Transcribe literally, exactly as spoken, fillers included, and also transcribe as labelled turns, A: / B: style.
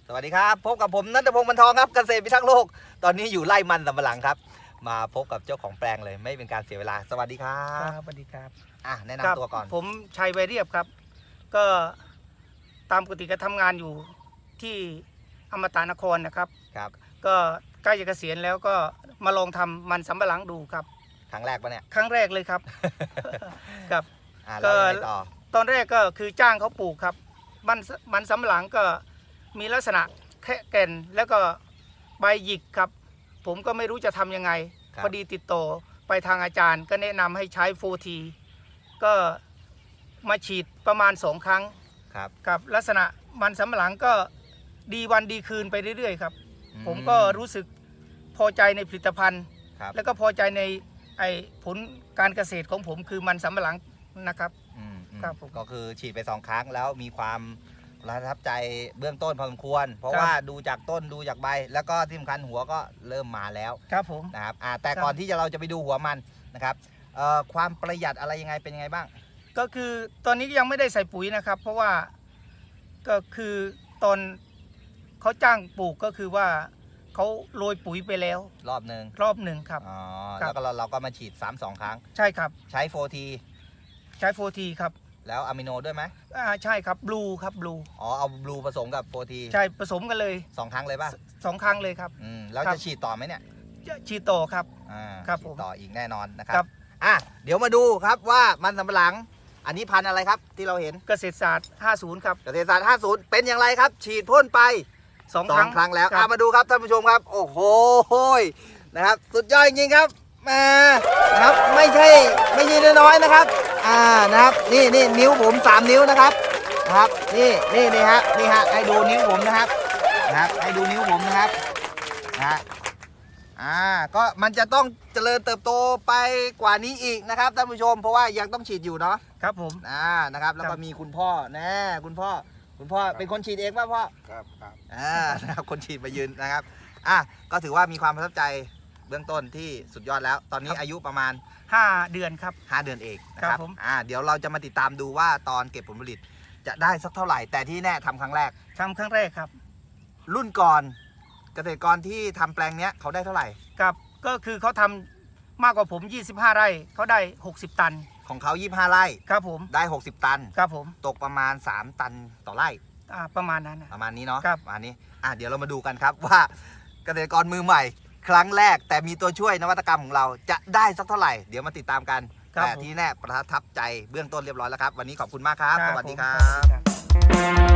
A: สวัสดีครับพบกับผมณัฐพงศ์ บรรทองครับเกษตรพิทักษ์โลกตอนนี้อยู่ไร่มันสำปะหลังครับมาพบกับเจ้าของแปลงเลยไม่เป็นการเสียเวลาสวัสดีครับ
B: ครับสวัสดีครับ
A: อ่ะแนะนำตัวก่อน
B: ผมชัยไวเรียบครับก็ตามปกติก็ทำงานอยู่ที่อมตะนครนะครับ
A: ครับ
B: ก็ใกล้จะเกษียณแล้วก็มาลองทำมันสำปะหลังดูครับ
A: ครั้งแรกปะเนี่ย
B: ครั้งแรกเลยครับ ครับ
A: ก็
B: ต่อตอนแรกก็คือจ้างเขาปลูกครับมันมันสำปะหลังก็มีลักษณะแค่แก่นแล้วก็ใบหยิกครับผมก็ไม่รู้จะทำยังไงพอดีติดต่อไปทางอาจารย์ก็แนะนำให้ใช้โฟทีก็มาฉีดประมาณสองครั้ง
A: ครับ
B: กับลักษณะมันสำปะหลังก็ดีวันดีคืนไปเรื่อยๆครับผมก็รู้สึกพอใจในผลิตภัณฑ์แล้วก็พอใจในไอ้ผลการเกษตรของผมคือมันสำปะหลังนะครับ
A: ครับผมก็คือฉีดไปสองครั้งแล้วมีความประทับใจเบื้องต้นพอสมควรเพราะว่าดูจากต้นดูจากใบแล้วก็ที่สำคัญหัวก็เริ่มมาแล้ว
B: ครับผม
A: นะครับแต่ก่อนที่จะเราจะไปดูหัวมันนะครับความประหยัดอะไรยังไงเป็นยังไงบ้าง
B: ก็คือตอนนี้ยังไม่ได้ใส่ปุ๋ยนะครับเพราะว่าก็คือตอนเขาจ้างปลูกก็คือว่าเขาโรยปุ๋ยไปแล้ว
A: รอบหนึ่ง
B: รอบหนึ่งครับ
A: อ๋อแล้วก็เราเราก็มาฉีดซ้ำสองครั้ง
B: ใช่ครับ
A: ใช้โฟที
B: ใช้โฟทีครับ
A: แล้วอะมิโนด้วยไหม
B: อ่าใช่ครับบลูครับบลู
A: อ๋อเอาบลูผสมกับโฟที
B: ใช่ผสมกันเลย
A: สองครั้งเลยป่ะ
B: สองครั้งเลยครับ
A: อืมแล้วจะฉีดต่อไหมเนี่ย
B: ฉีดต่อครับ
A: อ่า
B: ครับ
A: ฉีดต่ออีกแน่นอนนะครับอ่ะเดี๋ยวมาดูครับว่ามันสำปะหลังอันนี้พันธุ์อะไรครับที่เราเห็น
B: เกษตรศาสตร์ห้าสิบครับ
A: เกษตรศาสตร์ห้าสิบเป็นอย่างไรครับฉีดพ่นไป
B: สองครั้ง
A: ครั้งแล้วมาดูครับท่านผู้ชมครับโอ้โหนะครับสุดยอดจริงๆครับมานะครับไม่ใช่ไม่ใช่น้อยๆนะครับอ่านะครับนี่นี่นิ้วผมสามนิ้วนะครับนะครับนี่นี่นี่ฮะนี่ฮะให้ดูนิ้วผมนะครับนะครับให้ดูนิ้วผมนะครับนะอ่าก็มันจะต้องเจริญเติบโตไปกว่านี้อีกนะครับท่านผู้ชมเพราะว่ายังต้องฉีดอยู่เนาะ
B: ครับผม
A: อ่านะครับแล้วก็มีคุณพ่อแน่คุณพ่อคุณพ่อเป็นคนฉีดเองป่ะพ่อ
C: ครับครับ
A: อ่านะครับคนฉีดมายืนนะครับอ่ะก็ถือว่ามีความประทับใจเบื้องต้นที่สุดยอดแล้วตอนนี้อายุประมาณ
B: ห้าเดือนครับ
A: ห้าเดือนเองนะครับ
B: ผม
A: อ่าเดี๋ยวเราจะมาติดตามดูว่าตอนเก็บผลผลิตจะได้สักเท่าไหร่แต่ที่แน่ทำครั้งแรก
B: ทำครั้งแรกครับ
A: รุ่นก่อนเกษตรกรที่ทำแปลงเนี้ยเขาได้เท่าไหร่
B: ครับก็คือเขาทำมากกว่าผมยี่สิบห้าไร่เขาได้หกสิบตัน
A: ของเขายี่สิบห้าไร่
B: ครับผม
A: ได้หกสิบตัน
B: ครับผม
A: ตกประมาณสามตันต่อไร่
B: อ่าประมาณนั้น
A: ประมาณนี้เนาะ
B: ครับ
A: ประมาณนี้อ่ะเดี๋ยวเรามาดูกันครับว่าเกษตรกรมือใหม่ครั้งแรกแต่มีตัวช่วยนวัตกรรมของเราจะได้สักเท่าไหร่เดี๋ยวมาติดตามกันแต่ที่แน่ประทับใจเบื้องต้นเรียบร้อยแล้วครับวันนี้ขอบคุณมากครับสวัสดีครับ